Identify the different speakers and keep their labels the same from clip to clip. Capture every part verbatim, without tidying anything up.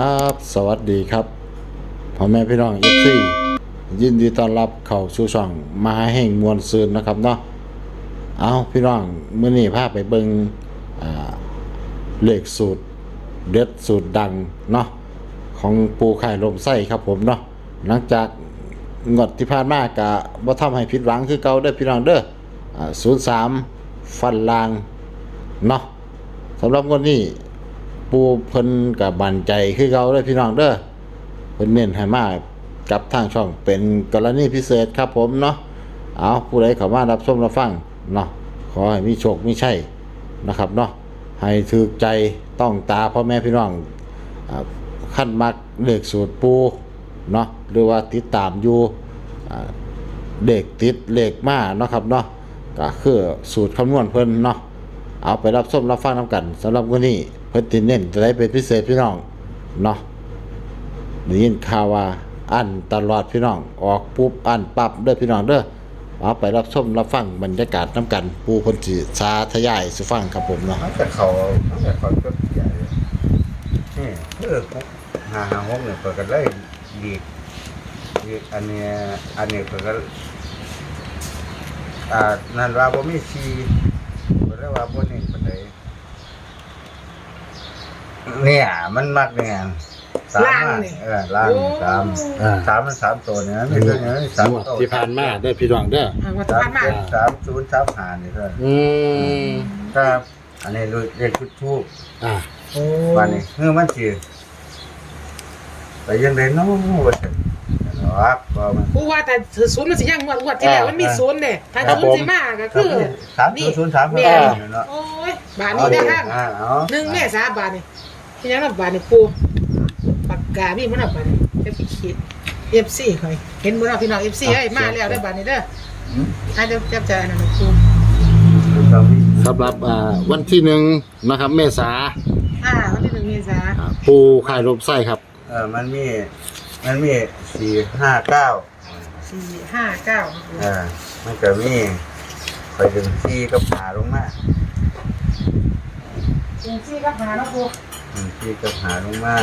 Speaker 1: ครับสวัสดีครับพ่อแม่พี่น้องเอฟซียินดีต้อนรับเข้าสู่ช่องมหาแห่งมวลซืนนะครับเนาะเอาพี่น้องมื้อนี้พาไปเบิ่งอ่าเลขสูตรเด็ดสูตรดังเนาะของปูไข่ลมไส้ครับผมเนาะหลังจากงวดที่ผ่านมากะบ่ทำให้ผิดหวังคือเก่าเด้อพี่น้องเด้ออ่าศูนย์สามฟันลางเนาะสำหรับงวดนี้ปูเพิ่นกับบันใจคือเก่าเด้อพี่น้องเด้อเพิ่นเน้นให้มากับทางช่องเป็นกรณีพิเศษครับผมเนาะเอาผู้ใดเข้ามารับชมรับฟังเนาะขอให้มีโชคมีชัยนะครับเนาะให้ถูกใจต้องตาพ่อแม่พี่น้องอ่าขั้นมักเลขสูตรปูเนาะหรือว่าติดตามอยู่อ่าเลขติดเลขมาเนาะครับเนาะก็คือสูตรคำนวณเพิ่นเนาะเอาไปรับชมรับฟังนำกันสำหรับวันนี้เพิ่นติเน้นจะได้เป็นพิเศษพี่น้องเนาะได้ยินข่าวว่าอันตลอดพี่น้องออกปุ๊บอันปั๊บเด้อพี่น้องเด้อเอาไปรับชมรับฟังบรรยากาศน้ำกันปูเพิ่นสิสาธยายสู่ฟังครับผมเนาะ
Speaker 2: มันจะเขามันจะเขาก็ใหญ่นี่เออหาหาหกเนี่ยเปิดกันเลยดีดีอันเนี้ยอันนี้เปิดกันอ่านั่นว่าบ่มีชีเปิดได้ว่าบ่นี่ปานใดเนี่ยมันมักเนี่ยสามอะเออล่างสามสามมันสามตัวเนี่ยไม่ใช่เนี่ยสาม
Speaker 1: งวด
Speaker 2: ตัว
Speaker 1: ที่ผ่านมาเด้อพี่น้องเด้อ
Speaker 3: อ่าวัตถุ
Speaker 2: สาม
Speaker 3: พันธุ์มา
Speaker 2: เจ็ดสามศูนย์สามห้านี่เท่านั้น
Speaker 1: อืม
Speaker 2: ครับอันนี้เรียกชุดทูบ
Speaker 1: อ่า
Speaker 3: โอ้
Speaker 2: วันนี้เมื่อมันสิไปยังไดเนาะว่าซั่นเนาะบ่มัน
Speaker 3: กูว่าแต่ศูนย์มันสิยังงวดงวดที่แล้วมันมีศูนย์เด้ถ้าศูนย์สิมาก็คือ
Speaker 2: สามศูนย์ศูนย์สาม
Speaker 3: แม่
Speaker 2: เนาะ
Speaker 3: โอ้ยบาทนี้ได้ทาง
Speaker 2: อ่าเอา
Speaker 3: หนึ่งแม่สาบาทนี่ที่ยังนับบาทนี่ปูปากกามีมันนับบาทนี่เอฟซีเอฟซีค่อยเห็นบ่เนาะพี่น้อง เอฟซี เอ้ยมาแล้วได้อบาทนี้เด้อให้เดี๋ยวจับใจนั่นน่ะปู
Speaker 1: สำหรับอ่าวันที่หนึ่งนะครับเมษา
Speaker 3: อ่าวันที่หนึ่งเมษา
Speaker 1: อ่าปูไข่ลมไส้ครับ
Speaker 2: เออมันมีมันมีสี่ห้าเก้า
Speaker 3: สี่ห้าเก้า
Speaker 2: เออมันก็มีไปดึงที่ก็ผ่าลงมา
Speaker 3: เอฟซีก็หาเนาะปู
Speaker 2: อืมที่ก็ผ่าลงมา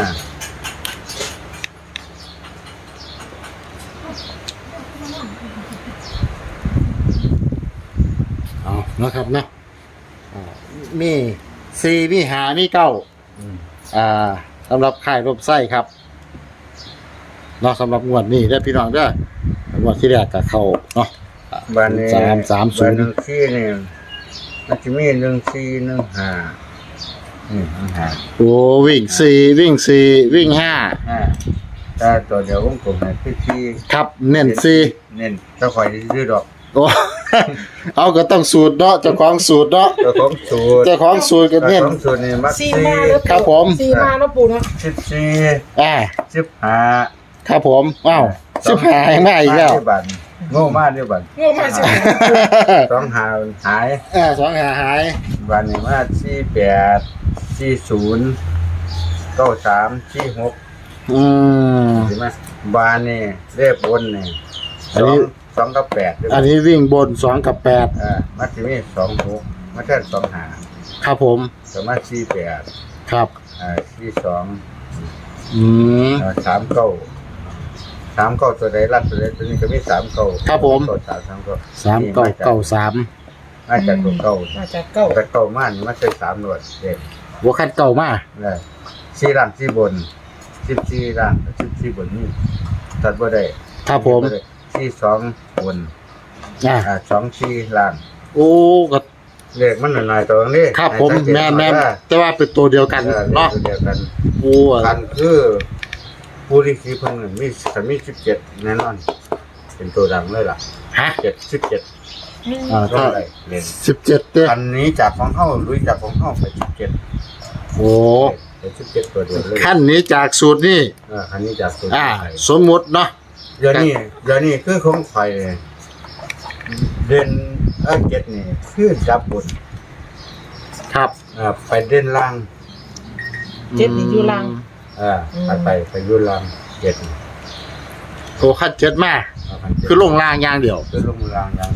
Speaker 1: เอานะครับเนาะอ่ามีสี่มีหามีเก้า
Speaker 2: อืม
Speaker 1: อ่าสำหรับค่ายรบไส้ครับเนาะสำหรับงวดนี้ได้อพี่น้องเด้องวดที่แรกกับเขาเนาะ
Speaker 2: บ้านนี้
Speaker 1: สามสามศูนย์
Speaker 2: บ้หนึ่งที่นี่มันจะมีหนึ่งสี่หนึ่งห้าอืมหนึ่งห้า
Speaker 1: โอ้วิ่งสี่วิ่งสี่วิ่งห้า
Speaker 2: ห้าถ้าตัวเดียววงกลมให้คือที่
Speaker 1: ครับเน้นสี่
Speaker 2: เน้นถ้าคอยซื้อดอก
Speaker 1: โอ้ เอาก็ต้องสูตรเนาะเจ้าของสูตรเนาะ
Speaker 2: เจ้าของสูตร
Speaker 1: เจ้าของสูตรก็
Speaker 2: เจ้า
Speaker 1: เน้น
Speaker 2: ของสูตรนี่มัก
Speaker 3: สี่
Speaker 2: สี่
Speaker 3: มาแล้ว
Speaker 1: ครับผม
Speaker 3: สี่มาเนาะปูเนาะ
Speaker 2: สิบสี่
Speaker 1: อ่า
Speaker 2: สิบห้า
Speaker 1: ครับผมอ้าวสิบหายง่ายอีกแล้ว
Speaker 2: บันโง่มากด้วยบัน
Speaker 3: โง่มากสิ
Speaker 2: สองหาหาย
Speaker 1: อ่าสองหาหาย
Speaker 2: บันนี่มาสี่แปดสี่ศูนย์เก้าสามสี่หก
Speaker 1: อืม
Speaker 2: ใช่ไหมบานนี่เลขบนนี่
Speaker 1: อั
Speaker 2: ส
Speaker 1: น
Speaker 2: อ
Speaker 1: นี้
Speaker 2: งสองกับแปดด้วย
Speaker 1: อันนี้วิ่งบนสองกับแปด
Speaker 2: อ่ามาที่นี่สองหกมาแค่สองหา
Speaker 1: ครับผม
Speaker 2: สมาสี่แปด
Speaker 1: ครับ
Speaker 2: อ่าสี่สอง
Speaker 1: อืม
Speaker 2: อ่าสามเก้าสามเก้าตัวใดรัดตัวใดตัวนี้ก็มีสามเก้า
Speaker 1: ครับผม
Speaker 2: เก้าสามสามเก้า
Speaker 1: สามเก้าเก้าสาม
Speaker 2: มาจากตัวเก้า
Speaker 3: มาจากเก้า
Speaker 2: แต่เก้ามานี่มาใช่สามหนวดเด็ก
Speaker 1: หัวคันเก่ามาก
Speaker 2: เลยสี่ล่างสี่บนสิบสี่ล่างสิบสี่บนนี่ตัดบ่ได้
Speaker 1: ครับผม
Speaker 2: สี่สองบน
Speaker 1: อ่า
Speaker 2: อ่าสองสี่ล่าง
Speaker 1: โอ้ก็
Speaker 2: เลขมันหน่อยๆตัวนี้
Speaker 1: ครับผม
Speaker 2: ให้สังเกต
Speaker 1: แม่นแม่น
Speaker 2: ว่า
Speaker 1: แต่ว่าเป็นตัวเดียวกัน
Speaker 2: เออ
Speaker 1: เนาะ
Speaker 2: เลขเดียวกัน
Speaker 1: โอ้
Speaker 2: กันคือผู้ที่ขี่เพิ่นน่ะมีคันมีสิบเจ็ดแน่นอน เป็นตัวดังเลยล่ะ
Speaker 1: ฮะ
Speaker 2: เจ็ดสิบเจ็ด
Speaker 1: อ่า
Speaker 2: ก็
Speaker 1: ถ้า
Speaker 2: ได้เล่น
Speaker 1: สิบเจ็ดเด้อ
Speaker 2: คันนี้จากของเฮาลุยจากของเฮาไปสิบเจ็ด
Speaker 1: โอ้
Speaker 2: เป็นสิบเจ็ดตัวเดียวเลย
Speaker 1: ขั้นนี้จากสูตรนี่
Speaker 2: เออคันนี้จากตัว
Speaker 1: อ่า
Speaker 2: ไทย
Speaker 1: สมมุติเนาะ
Speaker 2: เดี๋ยวนี้เดี๋ยวนี้คือของไทยเด่นเอ้ยเจ็ดนี่คือจับบน
Speaker 1: ครับ
Speaker 2: อ่าไปเด่นล่าง
Speaker 3: เจ็ดนี่อยู่ล่าง
Speaker 2: อ่าไปไปไปอยุ่ล่างเจ็ดนี่
Speaker 1: โอ้ขั้นเจ็ดมา
Speaker 2: เอาคันเจ็ด
Speaker 1: คือลงล่างอย่างเดียว
Speaker 2: คือลงล่างอย่างเดียว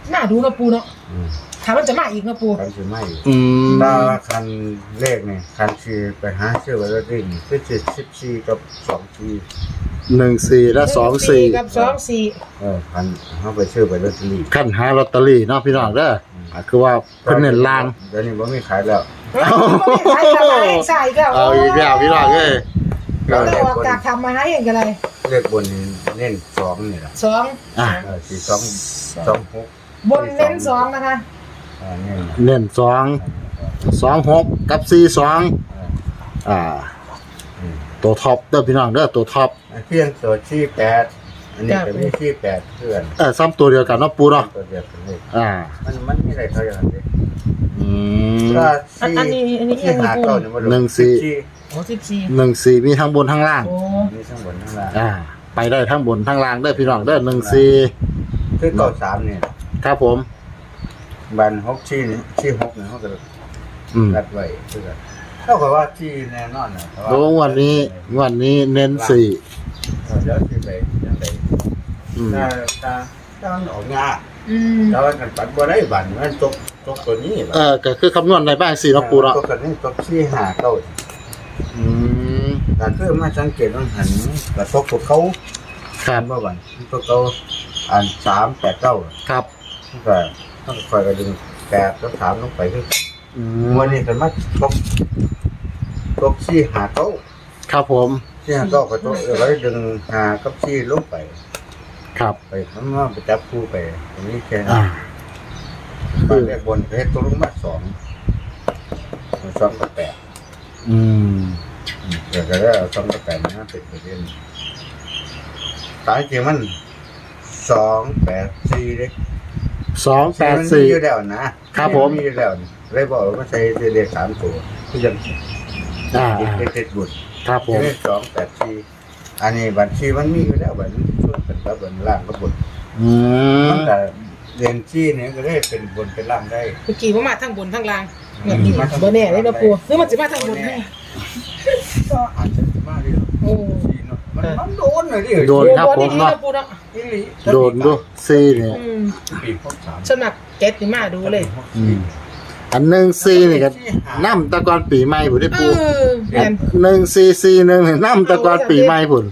Speaker 3: น่าดูนะปูเนาะ
Speaker 2: อืม
Speaker 3: ถามมันจะมาอีกนะปู
Speaker 2: คันสิไม่อีก
Speaker 1: อืม
Speaker 2: ถ้าคันเลขนี่คันสิไปหาซื้อไว้แล้วดิคือสิสิบสี่กับสองสี่
Speaker 1: หนึ่งสี่และสองสี่
Speaker 3: กับสองสี่
Speaker 2: เออคันเฮาไปซื้อไปลอตเตอรี่
Speaker 1: ขั้นหาลอตเตอรี่เนาะพี่น้องเด้ออ่ะคือว่าเพิ่นเน้นลาง
Speaker 2: เดี๋ยวนี้บ่มีขายแล้ว
Speaker 3: เอาไม่ขายทำมาให้ใส่ก็
Speaker 1: เอาอีกแล้วพี่น้องเอ้ย
Speaker 3: เราเลยออกจากทำมาให้เองกันเลย
Speaker 2: เลขบนนี่เน้นสองนี่ล่ะ
Speaker 3: สอง
Speaker 1: อ่ะ
Speaker 2: เออสี่สองสองหก
Speaker 3: บนเน้นสองนะคะ
Speaker 2: อ่านี่นะ
Speaker 1: เน้นสองสองหกกับสี่สอง
Speaker 2: เออ
Speaker 1: อ่า
Speaker 2: อืม
Speaker 1: ตัวท็อปเด้อพี่น้องเด้อตัวท็อป
Speaker 2: เพียงตัวที่แปดอันนี้ก็มีที่แปดเพื่อน
Speaker 1: เออซ้ำตัวเดียวกันเนาะปูเนาะ
Speaker 2: ตัวเดียวกันเลย
Speaker 1: อ่า
Speaker 2: มันมันมีอะไรเท่าอย่างนี้
Speaker 1: อืม
Speaker 2: ก็
Speaker 3: อัน
Speaker 2: ที่
Speaker 3: อันนี้อันนี้
Speaker 2: ที่
Speaker 3: ยัง
Speaker 2: หา
Speaker 3: ปู
Speaker 2: เก้าเนี่ยมัน
Speaker 1: หนึ่งสี่
Speaker 2: ที่
Speaker 3: โอ้สิบสี่
Speaker 1: หนึ่งสี่มีทั้งบนทั้งล่าง
Speaker 3: โอ้
Speaker 2: มีทั้งบนทั้งล่าง
Speaker 1: อ่า ไปได้ทั้งบนทั้งล่างเด้อพี่น้องเด้อหนึ่งสี่
Speaker 2: คือเก้าสามเนี่ย
Speaker 1: ครับผม
Speaker 2: บันหกที่นี่ที่หกเนี่ยเขาก็
Speaker 1: อืม
Speaker 2: รัดไว้เพื่อเท่ากับว่าที่แน่นอนนะเพราะ
Speaker 1: โอ้วันนี้วันนี้เน้นสี่
Speaker 2: เออเดี๋ยวที่ไปยังไง
Speaker 1: อืม
Speaker 2: ถ้าถ้าถ้ามันออกงา
Speaker 3: อืม
Speaker 2: แล้วมันปัดบ่ได้บันมันตกตกตัวนี้
Speaker 1: เออก็คือคำนวณในบ้านสี่เนาะปูเนาะ
Speaker 2: ตกตัวนี้ตกที่หาเก้า
Speaker 1: อืม
Speaker 2: แต่คือมาสังเกตว่าหันกระทบกับเขา
Speaker 1: ครับ
Speaker 2: เมื่อวันพวกเขาอ่านสามแปดเก้า
Speaker 1: ครับ
Speaker 2: ตั้งแต่ต้องคอยกระดึงแปดแล้วถามลงไปคือ
Speaker 1: อื
Speaker 2: วันนี้เป็นมาตกตกซี่หาเก้า
Speaker 1: ครับผม
Speaker 2: ซี่หาเก้าก็ตกเออไว้ดึงหากับซี่ลงไป
Speaker 1: ครับ
Speaker 2: ไปทำมาไปจับคู่ไปตรงนี้แค่นั้
Speaker 1: อ่าน
Speaker 2: บ้านแรกบนเพชรตัวลงมาสองสองกับแปด
Speaker 1: อืม
Speaker 2: เดี๋ยวก็ได้เอาสองกับแปดนะเป็นประเด็นตายจริงมันสองแปดสี่เลย
Speaker 1: สองแปด
Speaker 2: มันมี
Speaker 1: สี่
Speaker 2: อยู่แล้วนะครับ
Speaker 1: ผม
Speaker 2: มีอยู่แล้วเลยบอกว่าใช้เลขสามตัวที่ยัง
Speaker 1: อ่า
Speaker 2: เลขเจ็ดบุตร
Speaker 1: ครับผม
Speaker 2: เลขสองแปดสี่อันนี้บัญชีมันมีอยู่แล้วบัญชุดเป็นแล้วบัญล่างก็บุตร
Speaker 1: อืม
Speaker 2: มันแต่เรียนชีเนี่ยก็ได้เป็นบนเป็นล่างได้
Speaker 3: เมื่อกี้ว่ามาทั้งบนทั้งล่างแบบนี้เบอร์แน่เลยนะปูหรือมันจะมาทั้งบนให้
Speaker 2: ก็อาจจะมากเลย
Speaker 3: โอ้
Speaker 2: ชีเนาะมันมันโดนเลยดิ
Speaker 1: โดนครับผม
Speaker 3: ดี
Speaker 1: เนาะ
Speaker 3: นะปูเนาะ
Speaker 2: อีหลี
Speaker 1: โดนดูสี่เนี่ย
Speaker 3: อืม
Speaker 2: ปีหกสาม
Speaker 3: สมัครเก็ตนี่มาดูเลย
Speaker 1: อืม อันหนึ่งสี่นี่ก็น้ำตะกอนปีใหม่ผุนได้
Speaker 3: เอ
Speaker 1: ปู
Speaker 3: อแม่น
Speaker 1: หนึ่งสี่สี่หนึ่งน้ำตะกอนปีใหม่ผุน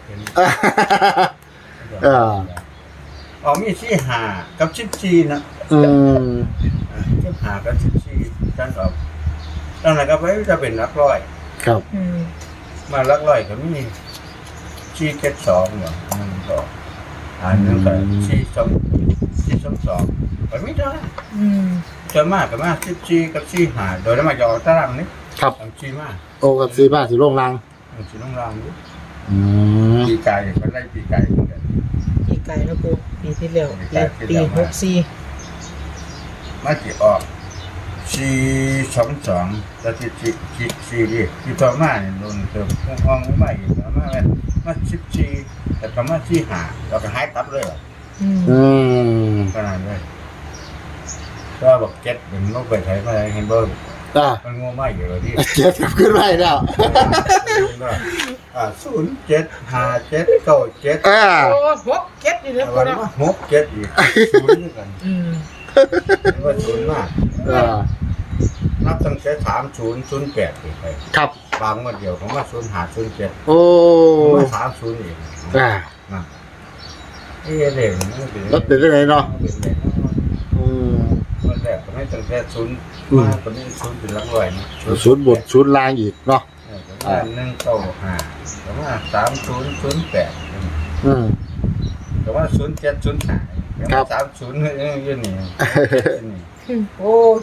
Speaker 1: เออ
Speaker 2: อ๋อมีที่หากับชิปชีนะ
Speaker 1: อืม
Speaker 2: ชิปหากับชิปชีจันออกตั้งแต่ก็ไปจะเป็นนักร้อย
Speaker 1: ครับ
Speaker 3: อืม
Speaker 2: มาลักร้อยก็มีชีเจ็ดสองเหรอหนึ่งสองอันหนึงก็ชีสองชีสองสองก็ไม่ได้
Speaker 3: อืม
Speaker 2: เจอมากกับมากชิปชีกับชีหาโดยแล้วมาจะออกตารางนี้
Speaker 1: ครับ
Speaker 2: ทำชีมาก
Speaker 1: โอกับสี่บ้านสีโล่งลัง
Speaker 2: ทำชีน้องรางนี้
Speaker 1: อืม
Speaker 2: ปีไก่ก็ได้ปีไก่เหมือนกัน
Speaker 3: ปีไก่แล้วปูปีที่แล้วปีหกสี่
Speaker 2: มาจีออกชีสองสองแล้วที่ชีชีชีดิที่ต่อมาเนี่ยโดนเติมห้องใหม่อีกแล้วมาเป็นมาชิปชีแต่ก็มาชีหาเราก็หายตับเลยเหรอ
Speaker 3: อืม
Speaker 1: อืม
Speaker 2: ขนาดเลยก็บอกเจ็ดเป็นโรคไปไทยมาเห็นบ่
Speaker 1: อ่ะ
Speaker 2: มันงัวไม่อยู่เลยที่
Speaker 1: เจ็ดกลับขึ้นไปแล้ว
Speaker 2: อ่าศูนย์เจ็ดห้าเจ็ดเก้าเจ็ด
Speaker 1: อ่า
Speaker 3: โอ้หกเก็ตนี่นะปู
Speaker 2: วัน
Speaker 3: เนาะ
Speaker 2: มาหกเจ็ดอีกศูนย์ด้วยกัน
Speaker 3: อืม
Speaker 2: ว่าศูนย์มาก
Speaker 1: อ่า
Speaker 2: นับตั้งแต่สามศูนย์ศูนย์แปดไป
Speaker 1: ครับ
Speaker 2: บางวันเดียวผมว่าศูนย์หาศูนย์เจ็ด
Speaker 1: โอ้
Speaker 2: ผมว่าสามศูนย์อีก
Speaker 1: อ่า
Speaker 2: นะเอ๊ะเด็กมันเป็น
Speaker 1: รถเป็นได้ไงเนาะ
Speaker 2: เป็นเด็ก
Speaker 1: อืม
Speaker 2: วันแรกผมให้ตั้งแต่ศูนย์
Speaker 1: อืม
Speaker 2: มาตอนนี้ศูนย์เป็นหลักร้อยนะ
Speaker 1: ศูนย์บทศูนย์ลางอีกเนาะ
Speaker 2: เออประมาณหนึ่งเก้าห้าประมาณสามศูนย์ศูนย์แปด
Speaker 1: อืม
Speaker 2: แต่ว่าศูนย์เจ็ดศูนย์ห้า
Speaker 1: ครับ
Speaker 2: สามศูนย์ยังอยู่นี่
Speaker 3: โอ้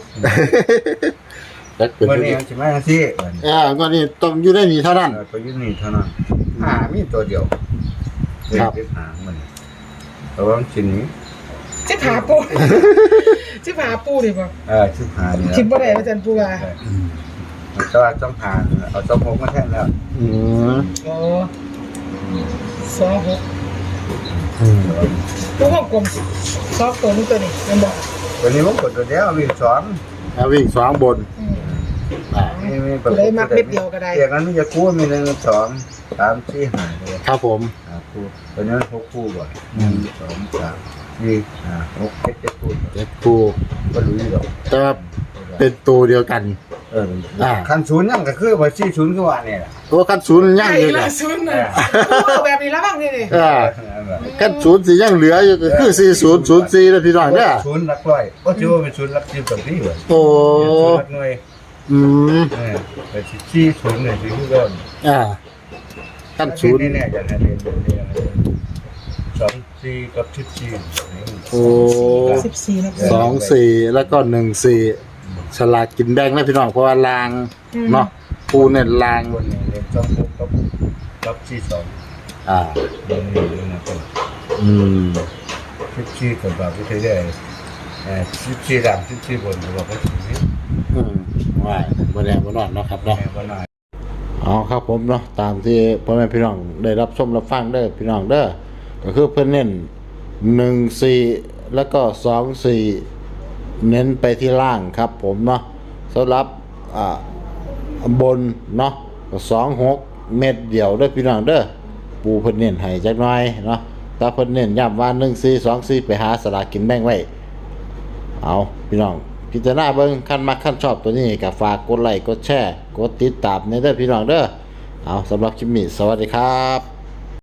Speaker 1: แล้วเป็น
Speaker 2: วัน
Speaker 1: ที่
Speaker 2: นี้มันจะมาที่วันนี้
Speaker 1: อ่าก็นี่ต้องอยู่ได้นี่เท่านั้น
Speaker 2: เออตัวอยู่นี่เท่านั้นหามีตัวเดียว
Speaker 1: ครับ
Speaker 2: เด็กหามันแต่ว่ามันชิ้นนี้
Speaker 3: จะผาปูจะผาปูดิบ่
Speaker 2: เออชิ้นหานี่
Speaker 3: คิดบ่ได้ว่าจันปูว่า
Speaker 2: แต่ว่าต้องหาเอาต้องพกมาแทนแล้ว
Speaker 1: อืม
Speaker 3: โอ้สองหก
Speaker 1: อืม
Speaker 3: ปูห้องกลมสองตัวนี้ตัวนี้มันบอก
Speaker 2: วันนี้ผมกดตัวเดียววิ่งสอน
Speaker 1: แล้ววิ่งสองบน
Speaker 3: อืม
Speaker 1: อ่า
Speaker 2: นี่มี
Speaker 3: ตัวได้มักเม็ดเดียวก็ได้
Speaker 2: เดี๋ยวนั้นมันจะคู่มีหนึ่งสองสามสี่ห้าเลย
Speaker 1: ครับผม
Speaker 2: หาคู่ตัวนี้หกคู่ก่อนหนึ่งสองสามสี่ห้าหกเจ็ดเจ็ดคู่
Speaker 1: เจ็ดคู่
Speaker 2: ก็รู้อยู่หรอก
Speaker 1: แต่ว่าเป็นตัวเดียวกัน
Speaker 2: เออ
Speaker 1: อ่า
Speaker 2: คันศูนย์ยังก็คือว่าสี่ศูนย์คือว่าเนี่ยล่ะ
Speaker 1: ตัวขั้นศูนย์ยัง
Speaker 3: ไอ้
Speaker 1: อยู่
Speaker 3: ละ
Speaker 1: นะ
Speaker 3: ซุนน่ะเอาแบบนี้แล้วบ้างนี่นี่
Speaker 1: อ่า
Speaker 2: นั่นแหละ
Speaker 1: ขั้นศูนย์สิยังเหลืออยู่ก็คือสี่ศูนย์ศูนย์สี่แล้วพี่น้องเนี่ย
Speaker 2: ศูนย์หลักร้อยก็ถือว่าเป็นศูนย์หลักสิบกับที่เหรอ
Speaker 1: โอ้
Speaker 2: ศูนย์หลักหน่วย
Speaker 1: อืม
Speaker 2: เออแต่สี่ศูนย์เนี่ยคือเริ่ม
Speaker 1: อ่าขั้นศูนย์
Speaker 2: นี่แน่จะให้เรียนเรียนเรียนสองสี่กับสิบสี่
Speaker 1: โอ้
Speaker 3: สิบสี่นะ
Speaker 1: สองสี่แล้วก็หนึ่งสี่ฉลากกินแบ่งนะพี่น้องเพราะว่าลางเนาะปูเนี่ยลาง
Speaker 2: คนเนี่ยเรียนสองหกกับกับสี่สอง
Speaker 1: อ่า
Speaker 2: นี่นี่นะเป็น
Speaker 1: อืม
Speaker 2: สิบสี่กับแบบที่ได้เออสิบสี่ดำสิบสี่บนกับแบบที่นี้
Speaker 1: อืมว่าบ่แน่บ่นอนเนาะครับเนาะ
Speaker 2: แม่ก็น่า
Speaker 1: เอาครับผมเนาะตามที่พ่อแม่พี่น้องได้รับชมรับฟังเด้อพี่น้องเด้อก็คือเพิ่นเน้นหนึ่งสี่แล้วก็สองสี่เน้นไปที่ล่างครับผมเนาะสำหรับอ่าบนเนาะก็สองหกเม็ดเดียวเด้อพี่น้องเด้อปูเพิ่นเน้นให้จักหน่อยเนาะแต่เพิ่นเน้นย้ำว่าหนึ่งสี่สองสี่ไปหาสลากกินแบ่งไว้เอาพี่น้องพิจารณาเบิ่งคันมักคันชอบตัวนี้ก็ฝากกดไลค์กดแชร์กดติดตามในเด้อพี่น้องเด้อเอาสำหรับคลิปนี้สวัสดีครับ